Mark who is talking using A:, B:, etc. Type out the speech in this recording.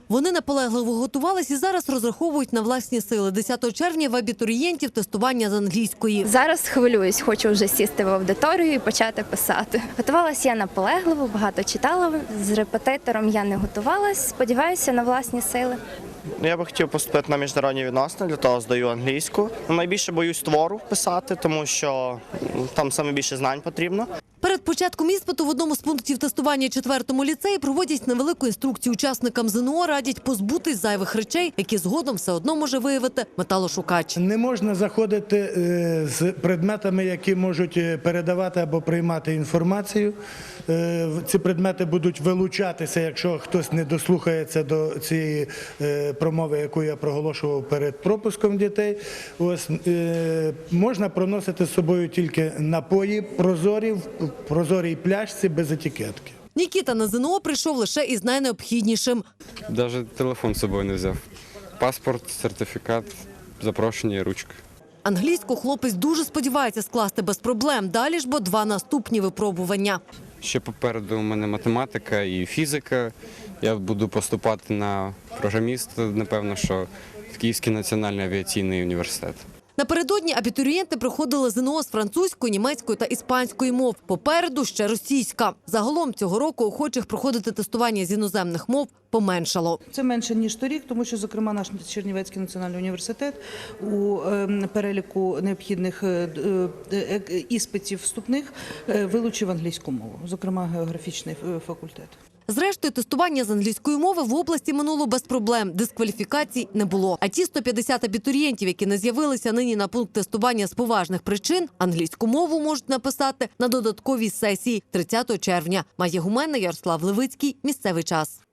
A: Вони наполегливо готувалися і зараз розраховують на власні сили. 10 червня в абітурієнтів тестування з англійської.
B: Зараз хвилююсь, хочу вже сісти в аудиторію і почати писати. Готувалася я наполегливо, багато читала. З репетитором я не готувалась. Сподіваюся на власні сили.
C: Я би хотів поступити на міжнародні відносини, для того здаю англійську. Найбільше боюсь твору писати, тому що там саме більше знань потрібно.
A: Перед початком іспиту в одному з пунктів тестування 4-му ліцеї проводять невелику інструкцію учасникам ЗНО, радять позбутись зайвих речей, які згодом все одно може виявити металошукач.
D: Не можна заходити з предметами, які можуть передавати або приймати інформацію. Ці предмети будуть вилучатися, якщо хтось не дослухається до цієї промови, яку я проголошував перед пропуском дітей. Ось, можна проносити з собою тільки напої прозорі, в прозорій пляшці без етикетки.
A: Нікіта на ЗНО прийшов лише із найнеобхіднішим.
E: Навіть телефон з собою не взяв. Паспорт, сертифікат, запрошення і ручка.
A: Англійську хлопець дуже сподівається скласти без проблем. Далі ж бо 2 наступні випробування.
E: Ще попереду у мене математика і фізика. Я буду поступати на програміста, напевно, що в Київський національний авіаційний університет.
A: Напередодні абітурієнти проходили ЗНО з французької, німецької та іспанської мов. Попереду ще російська. Загалом цього року охочих проходити тестування з іноземних мов поменшало.
F: Це менше, ніж торік, тому що, зокрема, наш Чернівецький національний університет у переліку необхідних іспитів вступних вилучив англійську мову, зокрема, географічний факультет.
A: Зрештою, тестування з англійської мови в області минуло без проблем. Дискваліфікацій не було. А ті 150 абітурієнтів, які не з'явилися нині на пункт тестування з поважних причин, англійську мову можуть написати на додатковій сесії 30 червня. Майя Гуменна, Ярослав Левицький. Місцевий час.